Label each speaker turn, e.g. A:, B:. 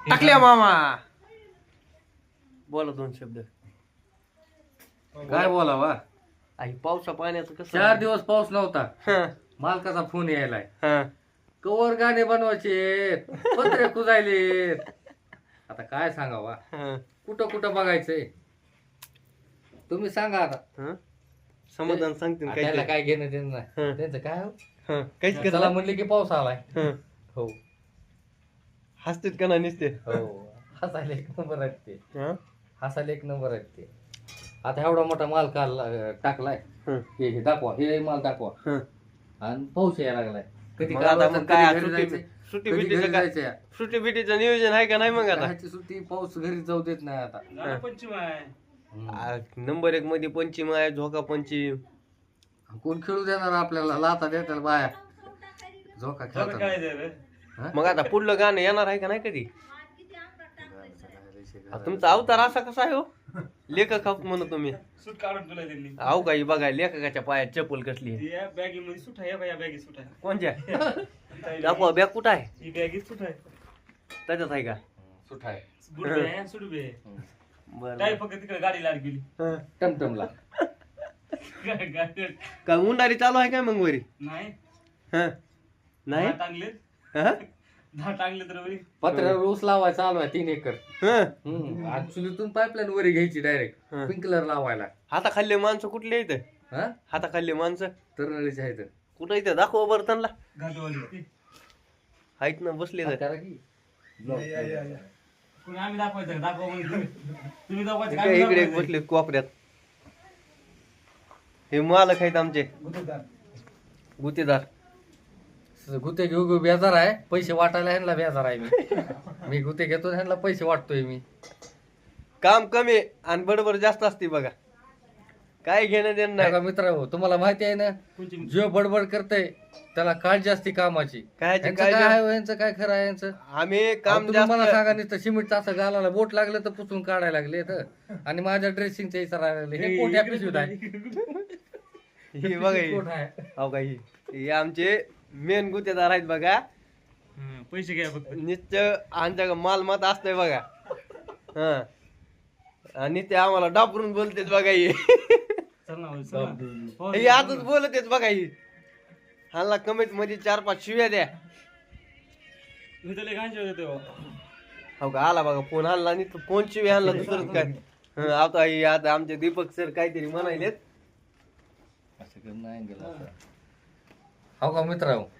A: टाकल्या मामा बोला दोन शब्द.
B: काय बोलावा.
A: आई पावसा पाण्याचं कसं
B: 4 दिवस पाऊस नव्हता.
A: हं,
B: मालकाचा फोन यायलाय.
A: हं.
B: कवर गाणे बनवायचे, पत्रे कुजायले. आता काय सांगावा.
A: हं,
B: कुठं कुठं बघायचंय तुम्ही सांगा आता.
A: हं. समाधान सांगतील
B: त्याला
A: काय
B: काय घेणं देणं नाही.
A: हं.
B: त्यांचं काय हो?
A: काहीच
B: चला
A: करत
B: म्हणले की पाऊस आलाय. हो
A: हसतेत का नाही नुसते
B: हो हसायला एक नंबर आहेत ते.
A: हं?
B: हसायला एक नंबर आहेत ते. आता एवढा मोठा माल टाकलाय.
A: हं,
B: हे दाखवा, हे माल दाखवा.
A: हं.
B: आणि पाऊस यायला लागलाय. कधी
A: मग
B: गावाचं,
A: आता मग
B: कधी
A: काय
B: घरी
A: सुट्टी
B: जायचंय,
A: सुट्टी
B: कधी
A: बिट्टीचं
B: घरी
A: काय
B: जायचंय.
A: सुट्टी बिट्टीचं नियोजन आहे का नाही मग आता
B: कायची सुट्टी, पाऊस घरी जाऊ देत नाही आता.
A: नंबर 1 मध्ये पंचीम आहे झोका पंचीम.
B: कोण खेळू देणार आपल्याला. लाता देतात बाया झोका खेळतात.
A: मग आता पुढलं गाणं येणार आहे का नाही कधी तुमचा अवतार असा कसा आहे हो लेखक आहोत म्हणून तुम्ही
C: सूट काढून तुला त्यांनी
A: अहो काही बघा लेखकाच्या पायात चप्पल कसली आहे.
C: या बॅगी मध्ये सूट आहे या बॅगी सूट आहे
A: कोणच्या दाखवा बॅग कुठं आहे
C: ही बॅगी सूट आहे
A: त्याच्यात आहे का
B: सुट आहे.
C: बूट बी आहे सूट बी आहे
A: बरं
C: काय फक्त तिकडे गाडी लाड गेली
A: हं.
B: टमटमला
C: गाडी-
A: काय उंडारी चालू आहे काय मग वरी
C: नाही
A: हं? नाही
C: दहा टांगले
A: हं?
C: 10 टांगले तर वरी
B: पत्र्यावर ऊस लावायचा चालू आहे 3 एकर.
A: हं?
B: चुलीतून पाईपलाईन वरी घ्यायची डायरेक्ट
A: हं.
B: स्प्रिंकलर लावायला.
A: हाताखाल्ले माणसं कुठले इथं
B: हा
A: हाताखाल्ले माणसं
B: तरणारीचे आहेत.
A: कुठं इथं दाखवा बरं त्यांना
C: घाटवाली
A: आहेत ना बसले तर
B: करा की
C: कोणी आम्ही दाखवायचं का? दाखवा म्हणजे तुम्ही दाखवायचं का?
A: काय
C: आम्ही
A: इकडे
C: दाखवायचं?
A: बसले कोपऱ्यात हे मालक आहेत आमचे गुतेदार
B: गुते घेऊ घेऊ बेजार आहे. पैसे वाटायला ह्यांना बेजार आहे मी गुते घेतो ह्यांना पैसे वाटतोय मी.
A: काम कमी आणि बडबड जास्त असते बघा काय घेणं देणं नाही
B: बघा मित्र हो तुम्हाला माहिती आहे ना
C: कोणची?
B: जो बडबड करतय त्याला काळजी असते कामाची.
A: कायची
B: यांचं
A: काळजी?
B: काय आहे यांचं काय खरं आहे यांचं.
A: आम्ही
B: अहो,
A: काम
B: तुम्ही
A: जास्त
B: मला सांगा नाही तर सिमेंटचं असं घालायला बोट लागलं तर पुसून काढायला लागले तर आणि माझ्या ड्रेसिंगच्या इचारायला लागले. हे कोठ्या पिशवीत आहे
A: हे बघा हे.
B: कोठ आहे
A: हो का हे आमचे मेन गुतेदार आहेत बघा
C: हं, पैसे घ्या फक्त
A: निश्चय आमच्या मालमत असतंय बघा हा आणि ते आम्हाला डापरून बोलतेत बघा हे
C: चल ना हो, चल ना. हो,
A: हे आजच बोलत आहेत बघा ही हाला कमेंट मध्ये 4-5 शिव्या द्या
C: मी तर लय घाणचे होते तेव्हा.
A: हो का आला बघा फोन आणला आणि फोन शिव्या आणला दुसरंच काय हं, आता हे आता आमचे दीपक सर काहीतरी म्हणायलेत
B: असं करून नाही गेलं. हो का मित्र